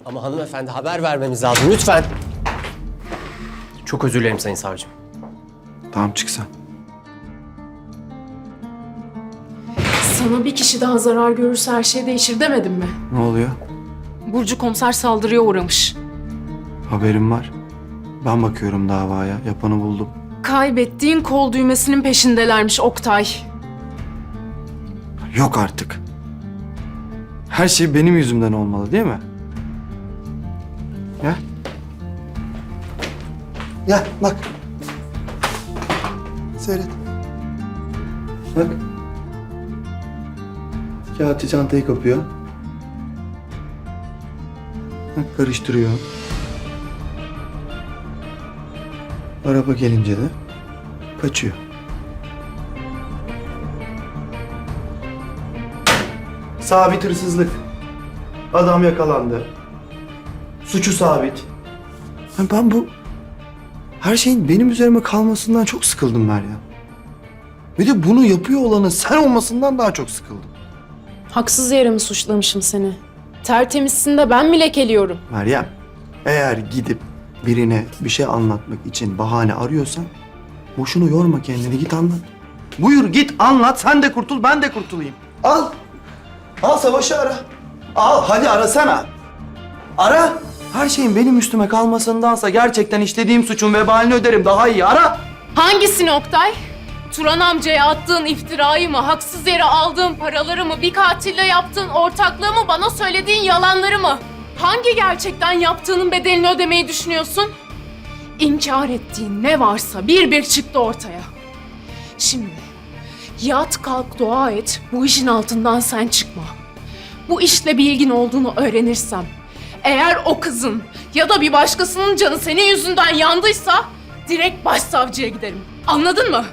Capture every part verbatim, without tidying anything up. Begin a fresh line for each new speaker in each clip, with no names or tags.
Ama hanımefendi haber vermemiz lazım lütfen. Çok özür dilerim sayın savcım.
Tamam çık sen.
Sana bir kişi daha zarar görürse her şey değişir demedim mi?
Ne oluyor?
Burcu komiser saldırıya uğramış.
Haberim var. Ben bakıyorum davaya. Yapanı buldum.
Kaybettiğin kol düğmesinin peşindelermiş Oktay.
Yok artık. Her şey benim yüzümden olmalı değil mi? Gel. Gel bak. Seyret. Bak. Kağıtçı çantayı kapıyor. Bak karıştırıyor. Araba gelince de kaçıyor. Sabit hırsızlık. Adam yakalandı. Suçu sabit. Ben bu her şeyin benim üzerime kalmasından çok sıkıldım Meryem. Bir de bunu yapıyor olanın sen olmasından daha çok sıkıldım.
Haksız yere mi suçlamışım seni? Tertemizsin de ben mi lekeliyorum?
Meryem, eğer gidip birine bir şey anlatmak için bahane arıyorsan boşuna yorma kendini, git anlat. Buyur git anlat, sen de kurtul, ben de kurtulayım. Al, al Savaş'ı ara. Al, hadi arasana. Ara. Her şeyin benim üstüme kalmasındansa gerçekten işlediğim suçun vebalini öderim, daha iyi ara.
Hangisini Oktay? Turan amcaya attığın iftirayı mı, haksız yere aldığın paraları mı, bir katille yaptığın ortaklığı mı, bana söylediğin yalanları mı? Hangi gerçekten yaptığının bedelini ödemeyi düşünüyorsun? İnkar ettiğin ne varsa bir bir çıktı ortaya. Şimdi yat kalk dua et, bu işin altından sen çıkma. Bu işle bir ilgin olduğunu öğrenirsem, eğer o kızın ya da bir başkasının canı senin yüzünden yandıysa direkt başsavcıya giderim. Anladın mı?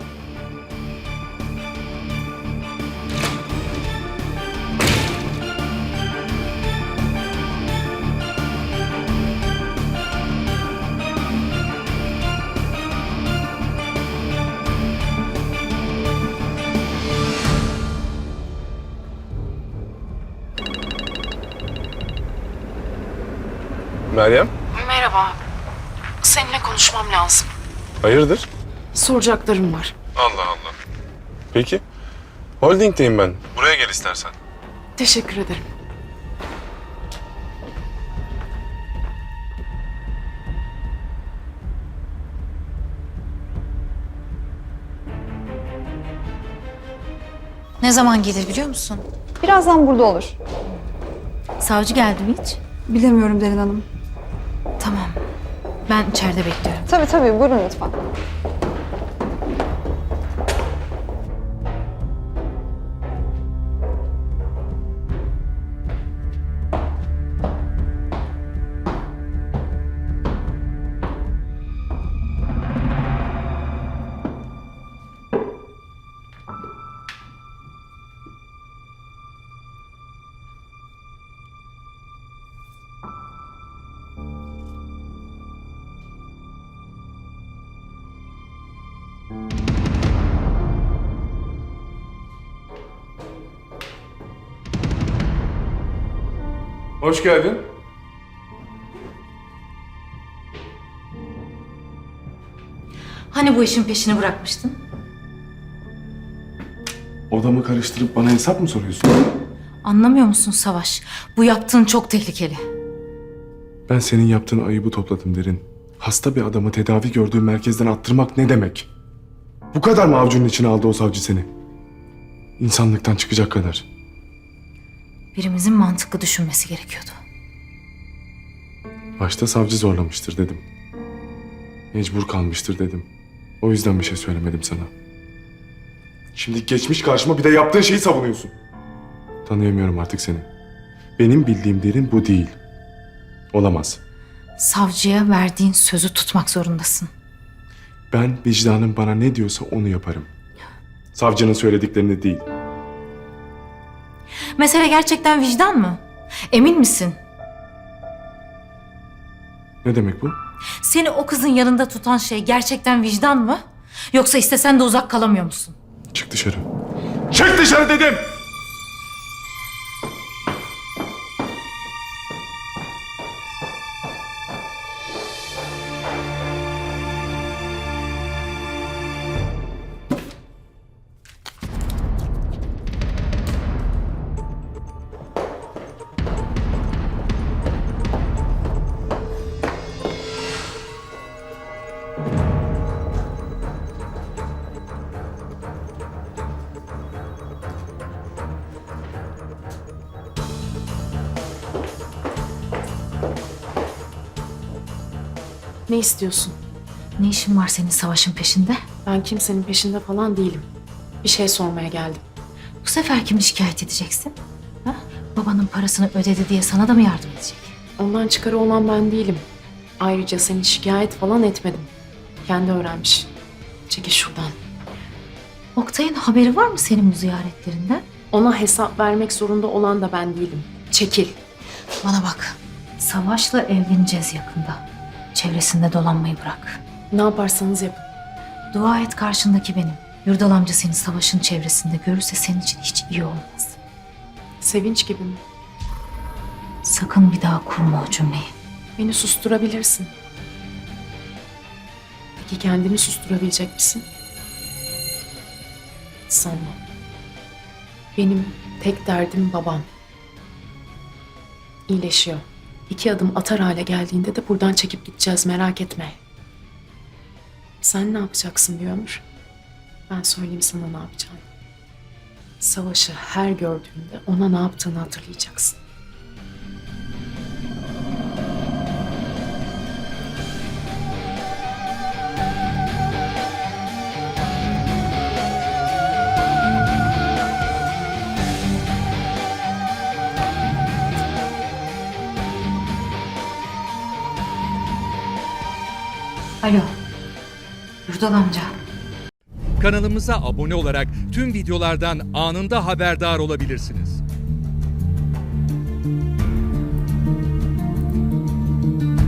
Meryem,
Merhaba. Seninle konuşmam lazım.
hayırdır?
Soracaklarım var.
Allah Allah. Peki. Holding'deyim ben. Buraya gel istersen.
Teşekkür ederim.
Ne zaman gelir biliyor musun?
Birazdan burada olur.
Savcı geldi mi hiç?
Bilemiyorum Derin Hanım.
Tamam. Ben içeride bekliyorum.
Tabii tabii, buyurun lütfen.
Hoş geldin.
Hani bu işin peşini bırakmıştın?
Odamı karıştırıp bana hesap mı soruyorsun?
Anlamıyor musun Savaş? Bu yaptığın çok tehlikeli.
Ben senin yaptığın ayıbı topladım Derin. Hasta bir adamı tedavi gördüğü merkezden attırmak ne demek? Bu kadar mı avucunun içine aldı o savcı seni? İnsanlıktan çıkacak kadar.
Birimizin mantıklı düşünmesi gerekiyordu.
Başta savcı zorlamıştır dedim. Mecbur kalmıştır dedim. O yüzden bir şey söylemedim sana. Şimdi geçmiş karşıma bir de yaptığın şeyi savunuyorsun. Tanıyamıyorum artık seni. Benim bildiğim Derin bu değil. Olamaz.
Savcıya verdiğin sözü tutmak zorundasın.
Ben vicdanım bana ne diyorsa onu yaparım. Savcının söylediklerini değil.
Mesele gerçekten vicdan mı? Emin misin?
Ne demek bu?
Seni o kızın yanında tutan şey gerçekten vicdan mı? Yoksa istesen de uzak kalamıyor musun?
Çık dışarı. Çık dışarı dedim!
Ne istiyorsun?
Ne işin var senin Savaş'ın peşinde?
Ben kimsenin peşinde falan değilim. Bir şey sormaya geldim.
Bu sefer kimi şikayet edeceksin? Ha? Babanın parasını ödedi diye sana da mı yardım edecek?
Ondan çıkarı olan ben değilim. Ayrıca seni şikayet falan etmedim. Kendi öğrenmiş. Çekil şuradan.
Oktay'ın haberi var mı senin bu ziyaretlerinden?
Ona hesap vermek zorunda olan da ben değilim. Çekil.
Bana bak. Savaş'la evleneceğiz yakında. Çevresinde dolanmayı bırak.
Ne yaparsanız yapın.
Dua et karşındaki benim. Yurdal amca seni Savaş'ın çevresinde görürse senin için hiç iyi olmaz.
Sevinç gibi mi?
Sakın bir daha kurma o cümleyi.
Beni susturabilirsin. Peki kendini susturabilecek misin? Sanmam. Benim tek derdim babam. İyileşiyor. İki adım atar hale geldiğinde de buradan çekip gideceğiz, merak etme. Sen ne yapacaksın bir ömür? Ben söyleyeyim sana ne yapacağını. Savaşı her gördüğünde ona ne yaptığını hatırlayacaksın.
Alo. Yurdal amca.
Kanalımıza abone olarak tüm videolardan anında haberdar olabilirsiniz.